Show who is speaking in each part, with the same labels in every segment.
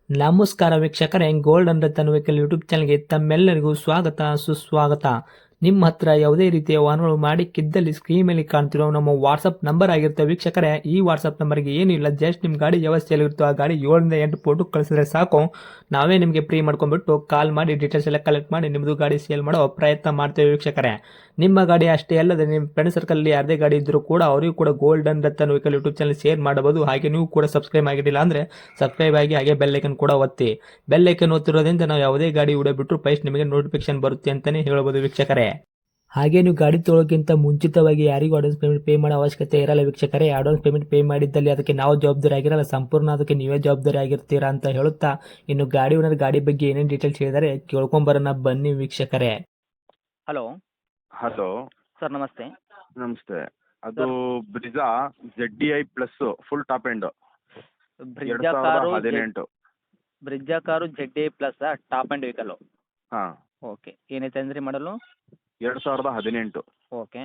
Speaker 1: ನಮಸ್ಕಾರ ವೀಕ್ಷಕರೇ, gold and Ratan vehicle YouTube ಚಾನಲ್ಗೆ ತಮ್ಮೆಲ್ಲರಿಗೂ ಸ್ವಾಗತ ಸುಸ್ವಾಗತ. ನಿಮ್ಮ ಹತ್ರ ಯಾವುದೇ ರೀತಿಯ ವಾಹನಗಳು ಮಾಡಿಕ್ಕಿದ್ದಲ್ಲಿ ಸ್ಕ್ರೀನ್ ಮೇಲೆ ಕಾಣ್ತಿರೋ ನಮ್ಮ ವಾಟ್ಸಪ್ ನಂಬರ್ ಆಗಿರುತ್ತೆ ವೀಕ್ಷಕರೇ. ಈ ವಾಟ್ಸಪ್ ನಂಬರ್ಗೆ ಏನಿಲ್ಲ, ಜಸ್ಟ್ ನಿಮ್ಮ ಗಾಡಿ ವ್ಯವಸ್ಥೆಯಲ್ಲಿರುತ್ತೋ ಆ ಗಾಡಿ 7 ರಿಂದ 8 ಫೋಟೋ ಕಳಿಸಿದ್ರೆ ಸಾಕು, ನಾವೇ ನಿಮಗೆ ಫ್ರೀ ಮಾಡ್ಕೊಂಡ್ಬಿಟ್ಟು ಕಾಲ್ ಮಾಡಿ ಡೀಟೇಲ್ಸ್ ಎಲ್ಲ ಕಲೆಕ್ಟ್ ಮಾಡಿ ನಿಮ್ಮದು ಗಾಡಿ ಸೇಲ್ ಮಾಡೋ ಪ್ರಯತ್ನ ಮಾಡ್ತೇವೆ ವೀಕ್ಷಕರೇ. ನಿಮ್ಮ ಗಾಡಿ ಅಷ್ಟೇ ಅಲ್ಲದೆ ನಿಮ್ಮ ಫ್ರೆಂಡ್ ಸರ್ಕಲ್ ಯಾರದೇ ಗಾಡಿ ಇದ್ದರೂ ಕೂಡ ಅವರಿಗೂ ಕೂಡ gold and Ratan vehicle YouTube channel share ಮಾಡಬಹುದು. ಹಾಗೆ ನೀವು ಕೂಡ ಸಬ್ಸ್ಕ್ರೈಬ್ ಆಗಿರಲಿಲ್ಲ ಅಂದರೆ ಸಬ್ಸ್ಕ್ರೈಬ್ ಆಗಿ ಹಾಗೆ ಬೆಲ್ ಐಕನ್ ಕೂಡ ಒತ್ತಿ. ಬೆಲ್ ಐಕನ್ ಒತ್ತಿರೋದ್ರಿಂದ ನಾವು ಯಾವುದೇ ಗಾಡಿ ವಿಡಿಯೋ ಬಿಟ್ಟರು ಫಸ್ಟ್ ನಿಮಗೆ ನೋಟಿಫಿಕೇಶನ್ ಬರುತ್ತೆ ಅಂತಾನೆ ಹೇಳ್ಬೋದು ವೀಕ್ಷಕರೇ. ಹಾಗೆ ನೀವು ಗಾಡಿ ತೊಳೋಕ್ಕಿಂತ ಮುಂಚಿತವಾಗಿ ಯಾರಿಗೂ ಅಡ್ವಾನ್ಸ್ ಪೇಮೆಂಟ್ ಪೇ ಮಾಡೋ ಅವಶ್ಯಕತೆ ಇರಲ್ಲ ವೀಕ್ಷಕರೇ. ಅಡ್ವಾನ್ಸ್ ಪೇಮೆಂಟ್ ಪೇ ಮಾಡಿದ್ದಲ್ಲಿ ಅದಕ್ಕೆ ನಾವು ಜವಾಬ್ದಾರಿ ಆಗಿರಲ್ಲ, ಸಂಪೂರ್ಣ ಅದಕ್ಕೆ ನೀವೇ ಜವಾಬ್ದಾರಿ ಆಗಿರ್ತೀರಾ ಅಂತ ಹೇಳುತ್ತಾ, ಇನ್ನು ಗಾಡಿ ಓನರ್ ಗಾಡಿ ಬಗ್ಗೆ ಏನೇನು ಡೀಟೇಲ್ಸ್ ಹೇಳಿದರೆ ಕೇಳ್ಕೊಂಬರೋಣ ಬನ್ನಿ ವೀಕ್ಷಕರೇ.
Speaker 2: ಹಲೋ
Speaker 3: ಹಲೋ
Speaker 2: ಸರ್, ನಮಸ್ತೆ.
Speaker 3: ನಮಸ್ತೆ. ಅದು Brezza ZDI plus full top end
Speaker 2: Brezza car
Speaker 3: 2018.
Speaker 2: Brezza car ZA plus top and vehicle.
Speaker 3: ಹಾಂ,
Speaker 2: ಓಕೆ, ಏನೈತೆ ಅಂದ್ರಿ ಮಾಡಲು?
Speaker 3: 2018
Speaker 2: okay.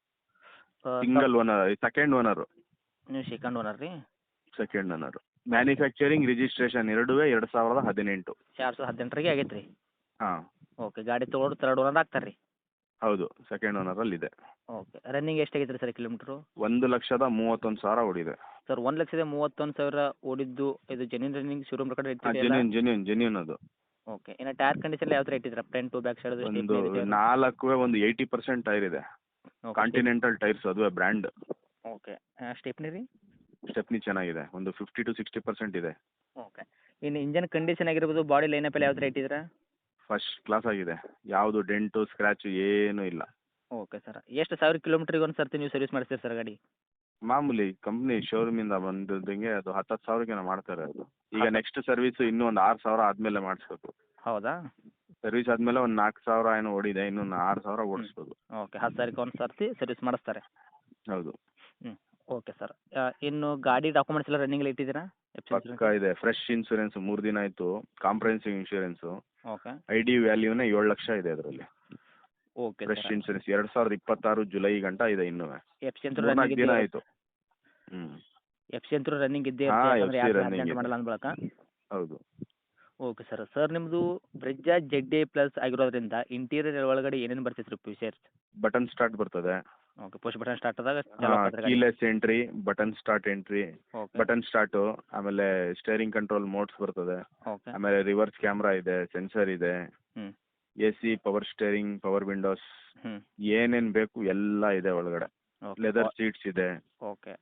Speaker 3: Single owner, second owner.
Speaker 2: ನೀವು ಸೆಕೆಂಡ್ ಓನರ್ ರೀ?
Speaker 3: Second owner. ಮ್ಯಾನುಫ್ಯಾಕ್ಚರಿಂಗ್ ರಿಜಿಸ್ಟ್ರೇಷನ್ ಎರಡುವೇ 2018.
Speaker 2: 2018 ಆಗೈತೆ ರೀ?
Speaker 3: ಹಾಂ
Speaker 2: ಓಕೆ, ಗಾಡಿ ತೊಗೊಳೋರು ತರ್ಡ್ ಓನರ್ ಆಗ್ತಾರೆ ರೀ?
Speaker 3: ಹೌದು, ಸೆಕೆಂಡ್ ಓನರಲ್ಲಿದೆ.
Speaker 2: ಓಕೆ, ರನ್ನಿಂಗ್ ಎಷ್ಟಾಗೈತೆ ರೀ ಸರ್ ಕಿಲೋಮೀಟ್ರು?
Speaker 3: 1,31,000 ಓಡಿದೆ.
Speaker 2: ಸರ್, 1,31,000 ಓಡಿದ್ದು ಇದು ಜೆನ್ಯೂನ್ ರನ್ನಿಂಗ್ ಶೋರೂಮ್ ರೆಕಾರ್ಡ್ ಇಟ್ಟಿದೆಯಲ್ಲ?
Speaker 3: ಜೆನ್ಯೂನ್ ಅದು.
Speaker 2: ಓಕೆ, ಇನ್ನು ಟೈರ್ ಕಂಡೀಷನ್ ಯಾವ ಥರ ಇಟ್ಟಿದ್ದೀರಾ? ಫ್ರಂಟ್ ಟು ಬ್ಯಾಕ್ ಸೈಡ್
Speaker 3: ಒಂದು 80% ಟೈರ್ ಇದೆ. ಕಾಂಟಿನೆಂಟಲ್ ಟೈರ್ಸ್, ಅದುವೇ ಬ್ರ್ಯಾಂಡ್.
Speaker 2: ಓಕೆ, ಸ್ಟೆಪ್ನಿ ರೀ?
Speaker 3: ಸ್ಟೆಪ್ನಿ ಚೆನ್ನಾಗಿದೆ, ಒಂದು 50 to 60% ಇದೆ.
Speaker 2: ಓಕೆ, ಇನ್ನು ಇಂಜನ್ ಕಂಡೀಷನ್ ಆಗಿರ್ಬೋದು, ಬಾಡಿ ಲೈನಪ್ ಎಲ್ಲ ಯಾವ ಥರ ಇಟ್ಟಿದ್ದೀರಾ?
Speaker 3: ಫಸ್ಟ್ ಕ್ಲಾಸ್ ಆಗಿದೆ, ಯಾವುದು ಡೆಂಟು ಸ್ಕ್ರ್ಯಾಚು ಏನೂ ಇಲ್ಲ.
Speaker 2: ಓಕೆ ಸರ್, ಎಷ್ಟು ಸಾವಿರ ಕಿಲೋಮೀಟ್ರಿಗೆ ಒಂದು ಸರ್ತಿ ನೀವು ಸರ್ವಿಸ್ ಮಾಡಿಸ್ತೀರಿ ಸರ್ ಗಾಡಿ?
Speaker 3: ಮಾಮೂಲಿ ಕಂಪ್ನಿ ಶೋರೂಮಿಂದ ಬಂದಿದ್ದಂಗೆ ಅದು 10,000 ಮಾಡ್ತಾರೆ ಅದು. ಈಗ ನೆಕ್ಸ್ಟ್ ಸರ್ವಿಸ್ ಇನ್ನೂ ಒಂದು 6,000 ಆದಮೇಲೆ ಮಾಡಿಸ್ಬೇಕು.
Speaker 2: ಹೌದಾ?
Speaker 3: ಸರ್ವಿಸ್ ಆದಮೇಲೆ ಒಂದು 4,000 ಏನೋ ಓಡಿದೆ, ಇನ್ನೂ 6,000 ಓಡಿಸ್ಬೋದು.
Speaker 2: ಓಕೆ, 10,000ಕ್ಕೆ ಒಂದು ಸರ್ತಿ ಸರ್ವಿಸ್ ಮಾಡಿಸ್ತಾರೆ.
Speaker 3: ಹೌದು.
Speaker 2: ಹ್ಞೂ, ಓಕೆ ಸರ್. ಇನ್ನು ಗಾಡಿ ಡಾಕ್ಯುಮೆಂಟ್ಸ್ ಎಲ್ಲ ರನ್ನಿಂಗ್ ಇಟ್ಟಿದ್ದೀರಾ?
Speaker 3: ಪಕ್ಕ ಇದೆ, ಫ್ರೆಶ್ ಇನ್ಸೂರೆನ್ಸ್ 3 ದಿನ ಆಯಿತು, ಕಾಂಪ್ರಹೆನ್ಸಿವ್ ಇನ್ಶೂರೆನ್ಸು.
Speaker 2: ಓಕೆ.
Speaker 3: ID ವ್ಯಾಲ್ಯೂನೇ 7 ಲಕ್ಷ ಇದೆ ಅದರಲ್ಲಿ.
Speaker 2: Okay
Speaker 3: fresh
Speaker 2: sir.
Speaker 3: Insurance 2026 July ಗಂಟ ಇದೆ ಇನ್ನೂ.
Speaker 2: ಎಫ್ ಸಿ ಅಂತೂ
Speaker 3: 4
Speaker 2: ರನ್ನಿಂಗ್
Speaker 3: ದಿನ
Speaker 2: ಇದ್ದೇ
Speaker 3: ಆಯಿತು. ಹ್ಞೂ.
Speaker 2: ಎಫ್ ಸಿ ಅಂತೂ ರನ್ನಿಂಗ್ ಇದ್ದೇ
Speaker 3: ಹಾಂ,
Speaker 2: ಇರುತ್ತೆ,
Speaker 3: FC
Speaker 2: ಯಾಕಂದರೆ ಯಾರು
Speaker 3: running
Speaker 2: ಆಕ್ಸಿಡೆಂಟ್
Speaker 3: ಇದೆ.
Speaker 2: ಮಾಡಲ್ಲ ಅಂದ್ಬಳಕ.
Speaker 3: ಹೌದು.
Speaker 2: Okay sir. ಸರ್, ನಿಮ್ಮದು ಬ್ರಿಜ್ಜಾ ZA ಪ್ಲಸ್ ಆಗಿರೋದ್ರಿಂದ ಇಂಟೀರಿಯರ್ ಒಳಗಡೆ ಏನೇನು ಬರ್ತೈತೆ ರೀ ಫೀಚರ್ಸ್?
Speaker 3: ಬಟನ್ ಸ್ಟಾರ್ಟ್ ಬರ್ತದೆ.
Speaker 2: ಓಕೆ, ಪುಷ್ ಬಟನ್ ಸ್ಟಾರ್ಟ್ ಆದಾಗ ಚಾಲು ಆಗ್ತದೆ ಗಾಡಿ?
Speaker 3: Keyless entry, button start entry,
Speaker 2: okay.
Speaker 3: Button start, ಆಮೇಲೆ ಸ್ಟೇರಿಂಗ್ ಕಂಟ್ರೋಲ್ ಮೋಡ್ಸ್ ಬರ್ತದೆ.
Speaker 2: ಓಕೆ.
Speaker 3: ಆಮೇಲೆ ರಿವರ್ಸ್ ಕ್ಯಾಮ್ರಾ ಇದೆ, ಸೆನ್ಸರ್ ಇದೆ,
Speaker 2: ಹ್ಞೂ.
Speaker 3: AC, power steering, power windows,
Speaker 2: ಹ್ಞೂ.
Speaker 3: ಏನೇನು ಬೇಕು ಎಲ್ಲ ಇದೆ ಒಳಗಡೆ.
Speaker 2: ಓಕೆ.
Speaker 3: ಲೆದರ್ ಸೀಟ್ಸ್ ಇದೆ.
Speaker 2: Okay.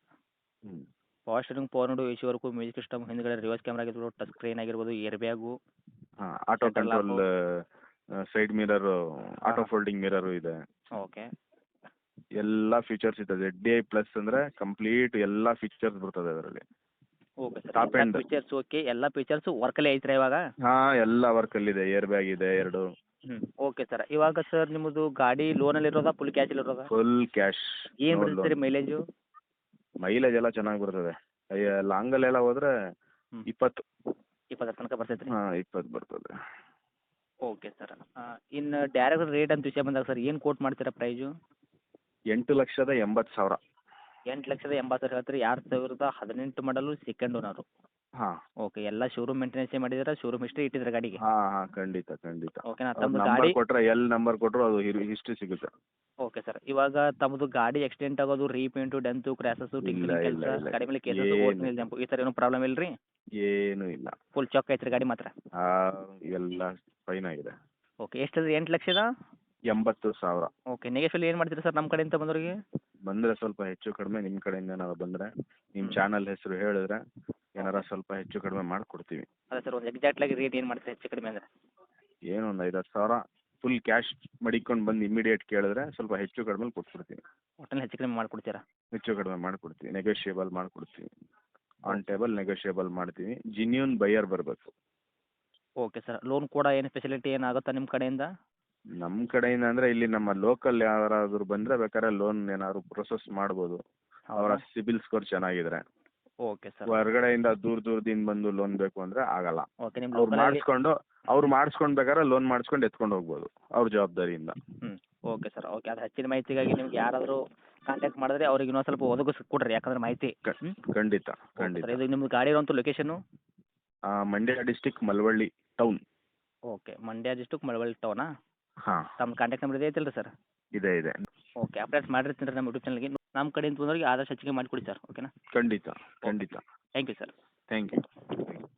Speaker 2: Power steering, power window, AC work, music system, ಹಿಂದ್ಗಡೆ ರಿವರ್ಸ್ ಕ್ಯಾಮ್ರಾ ಆಗಿರ್ಬೋದು, ಟಚ್ ಸ್ಕ್ರೀನ್ ಆಗಿರ್ಬೋದು, ಏರ್ ಬ್ಯಾಗು,
Speaker 3: ಹಾಂ, auto
Speaker 2: Center lock.
Speaker 3: Control, side mirror, auto folding mirror ಇದೆ.
Speaker 2: ಓಕೆ.
Speaker 3: ಎಲ್ಲ ಫೀಚರ್ಸ್ ಇದೆ. ZDI ಪ್ಲಸ್ ಅಂದರೆ complete ಎಲ್ಲ ಫೀಚರ್ಸ್ ಬರ್ತದೆ ಅದರಲ್ಲಿ.
Speaker 2: ಓಕೆ ಸರ್,
Speaker 3: Top
Speaker 2: ಎಲ್ಲ
Speaker 3: end.
Speaker 2: ಫೀಚರ್ಸ್ ಓಕೆ, ಎಲ್ಲ ಫೀಚರ್ಸು ವರ್ಕಲ್ಲೇ ಐತ್ರಿ ಇವಾಗ?
Speaker 3: ಹಾಂ, ಎಲ್ಲ ವರ್ಕಲ್ಲಿದೆ. ಏರ್ ಬ್ಯಾಗ್ ಇದೆ 2.
Speaker 2: ಹ್ಞೂ, ಓಕೆ ಸರ್. ಇವಾಗ ಸರ್, ನಿಮ್ಮದು ಗಾಡಿ ಲೋನಲ್ಲಿರೋದಾ ಫುಲ್ ಕ್ಯಾಶಲ್ಲಿರೋದಾ?
Speaker 3: Full cash.
Speaker 2: ಏನು ಬಿಡ್ತೀರಿ ಮೈಲೇಜು?
Speaker 3: ಮೈಲೇಜ್ ಎಲ್ಲ ಚೆನ್ನಾಗಿ ಬರ್ತದೆ. ಲಾಂಗಲ್ಲೆಲ್ಲ ಹೋದರೆ
Speaker 2: ಹ್ಞೂ.
Speaker 3: 20.
Speaker 2: 20 ತನಕ ಬರ್ತೈತೆ ರೀ?
Speaker 3: ಹಾಂ, 20 ಬರ್ತದೆ.
Speaker 2: Okay sir. ಇನ್ನು ಡೈರೆಕ್ಟ್ ರೇಟ್ ಅಂತ ವಿಷಯ ಬಂದಾಗ ಸರ್, ಏನು ಕೋಟ್ ಮಾಡ್ತೀರಾ ಪ್ರೈಸು?
Speaker 3: 8,80,000.
Speaker 2: 8,80,000 ಹೇಳ್ತೀರಿ. 2018 ಮಾಡಲು ಸೆಕೆಂಡ್ ಓನರು?
Speaker 3: ಹಾಂ
Speaker 2: ಓಕೆ, ಎಲ್ಲ ಶೋರೂಮ್ ಮೇಂಟೆನೆನ್ಸೇ ಮಾಡಿದ್ದೀರಾ? ಶೋರೂಮ್ ಹಿಸ್ಟ್ರಿ ಇಟ್ಟಿದ್ದೀರಾ ಗಾಡಿಗೆ?
Speaker 3: ಹಾಂ ಹಾಂ, ಖಂಡಿತ ಖಂಡಿತ.
Speaker 2: ಓಕೆನಾ?
Speaker 3: ಅವ್ರ
Speaker 2: ತಮ್ಮದು
Speaker 3: ನಂಬರ್
Speaker 2: ಗಾಡಿ
Speaker 3: ಕೊಟ್ಟರೆ, ನಂಬರ್ ಕೊಟ್ಟರು ಅದು ಹಿಸ್ಟ್ರಿ ಸಿಗುತ್ತೆ.
Speaker 2: Okay sir. ಇವಾಗ ತಮ್ಮದು ಗಾಡಿ ಆಕ್ಸಿಡೆಂಟ್ ಆಗೋದು, ರೀಪೇಂಟು, ಡೆಂತು, ಕ್ರ್ಯಾಸಸ್ಸು,
Speaker 3: ಇಲ್ಲ
Speaker 2: ಟಿಂಕರಿಂಗ್
Speaker 3: ಇಲ್ಲ
Speaker 2: ಕೆಲಸ,
Speaker 3: ಇಲ್ಲ,
Speaker 2: ಗಾಡಿ ಮೇಲೆ ಕೇಸಸ್,
Speaker 3: ಏನು
Speaker 2: ಓರಿಜಿನಲ್ ಜಂಪು, ಈ ಥರ ಏನೂ ಪ್ರಾಬ್ಲಮ್ ಇಲ್ಲ ರೀ?
Speaker 3: ಏನೂ ಇಲ್ಲ.
Speaker 2: ಫುಲ್ ಚೊಕ್ ಐತ್ರಿ ಗಾಡಿ ಮಾತ್ರ?
Speaker 3: ಎಲ್ಲ ಫೈನ್ ಆಗಿದೆ.
Speaker 2: ಓಕೆ, ಎಷ್ಟಿದೆ? 8,00,000?
Speaker 3: 80,000.
Speaker 2: ಓಕೆ, ನೆಗೆಶ್ವಲ್ ಏನು ಮಾಡ್ತೀರಾ ಸರ್ ನಮ್ಮ ಕಡೆಯಿಂದ ಬಂದವರಿಗೆ?
Speaker 3: ಬಂದರೆ ಸ್ವಲ್ಪ ಹೆಚ್ಚು ಕಡಿಮೆ ನಿಮ್ಮ ಕಡೆಯಿಂದ ಏನಾದ್ರು ಬಂದರೆ, ನಿಮ್ಮ ಚಾನಲ್ ಹೆಸರು ಹೇಳಿದ್ರೆ ಏನಾರ ಸ್ವಲ್ಪ ಹೆಚ್ಚು ಕಡಿಮೆ ಮಾಡಿಕೊಡ್ತೀವಿ.
Speaker 2: ಅದೇ ಸರ್, ಒಂದು ಎಕ್ಸಾಕ್ಟ್ಲಾಗಿ ರೇಟ್ ಏನು ಮಾಡ್ತೀರಾ ಹೆಚ್ಚು ಕಡಿಮೆ ಅಂದರೆ?
Speaker 3: ಏನು ಒಂದು 5,000 ಫುಲ್ ಕ್ಯಾಶ್ ಮಡಿಕೊಂಡು ಬಂದು ಇಮಿಡಿಯೇಟ್ ಕೇಳಿದ್ರೆ ಸ್ವಲ್ಪ ಹೆಚ್ಚು ಕಡಿಮೆ ಕೊಟ್ಬಿಡ್ತೀವಿ.
Speaker 2: ಒಟ್ಟಲ್ಲಿ ಹೆಚ್ಚು ಕಡಿಮೆ ಮಾಡಿಕೊಡ್ತೀರಾ?
Speaker 3: ಹೆಚ್ಚು ಕಡಿಮೆ ಮಾಡಿಕೊಡ್ತೀವಿ, ನೆಗೋಷಿಯೇಬಲ್ ಮಾಡಿಕೊಡ್ತೀವಿ. ಆನ್ ಟೇಬಲ್ ನೆಗೋಷಿಯೇಬಲ್ ಮಾಡ್ತೀವಿ. ಜಿನ್ಯೂನ್ ಬೈಯರ್ ಬರಬೇಕು.
Speaker 2: Okay sir. ಲೋನ್ ಕೂಡ ಏನು ಫೆಸಿಲಿಟಿ ಏನಾಗುತ್ತಾ ನಿಮ್ಮ ಕಡೆಯಿಂದ?
Speaker 3: ನಮ್ಮ ಕಡೆಯಿಂದ ಅಂದರೆ ಇಲ್ಲಿ ನಮ್ಮ ಲೋಕಲ್ ಯಾರಾದರೂ ಬಂದರೆ ಬೇಕಾದ್ರೆ ಲೋನ್ ಏನಾದ್ರು ಪ್ರೊಸೆಸ್ ಮಾಡ್ಬೋದು, ಅವರ ಸಿಬಿಲ್ ಸ್ಕೋರ್ ಚೆನ್ನಾಗಿದ್ರೆ.
Speaker 2: Okay sir.
Speaker 3: ಹೊರಗಡೆಯಿಂದ ದೂರದಿಂದ ಬಂದು ಲೋನ್ ಬೇಕು ಅಂದರೆ ಆಗಲ್ಲ.
Speaker 2: ಓಕೆ, ನಿಮ್ಮ
Speaker 3: ಅವ್ರು ಮಾಡಿಸ್ಕೊಂಡು ಬೇಕಾದ್ರೆ ಲೋನ್ ಮಾಡಿಸ್ಕೊಂಡು ಎತ್ಕೊಂಡು ಹೋಗ್ಬೋದು ಅವ್ರ ಜವಾಬ್ದಾರಿಯಿಂದ.
Speaker 2: ಹ್ಞೂ, ಓಕೆ ಸರ್. ಓಕೆ, ಅದು ಹೆಚ್ಚಿನ ಮಾಹಿತಿಗಾಗಿ ನಿಮ್ಗೆ ಯಾರಾದರೂ ಕಾಂಟ್ಯಾಕ್ಟ್ ಮಾಡಿದ್ರೆ ಅವ್ರಿಗೆ ಇನ್ನೊಂದು ಸ್ವಲ್ಪ ಒದಗಿಸಿ ಕೊಡ್ರಿ, ಯಾಕಂದ್ರೆ ಮಾಹಿತಿ.
Speaker 3: ಖಂಡಿತ
Speaker 2: ಓಕೆ
Speaker 3: ಖಂಡಿತ.
Speaker 2: ಸರ್. ಇದು ನಿಮ್ಮದು ಗಾಡಿ ಇರುವಂಥ location?
Speaker 3: Mandya district Malavalli town.
Speaker 2: Okay, Mandya district Malavalli ಟೌನಾ?
Speaker 3: ಹಾಂ,
Speaker 2: ತಮ್ಮ ಕಾಂಟ್ಯಾಕ್ಟ್ ನಂಬರ್ ಇದೆ ಐತಿಲ್ಲ ಸರ್?
Speaker 3: ಇದೆ ಇದೆ.
Speaker 2: ಓಕೆ, ಅಪ್ಡೇಟ್ಸ್ ಮಾಡಿರ್ತೀನಿ ರೀ ನಮ್ಮ ಯೂಟ್ಯೂಬ್ ಚಾನಲ್ಗೆ. ನಮ್ಮ ಕಡೆಯಿಂದ ಬಂದವ್ರಿಗೆ ಆದಷ್ಟು ಹೆಚ್ಚಿಗೆ ಮಾಡಿಕೊಡಿ ಸರ್. ಓಕೆನಾ?
Speaker 3: ಖಂಡಿತ ಖಂಡಿತ.
Speaker 2: Thank you sir.
Speaker 3: Thank you.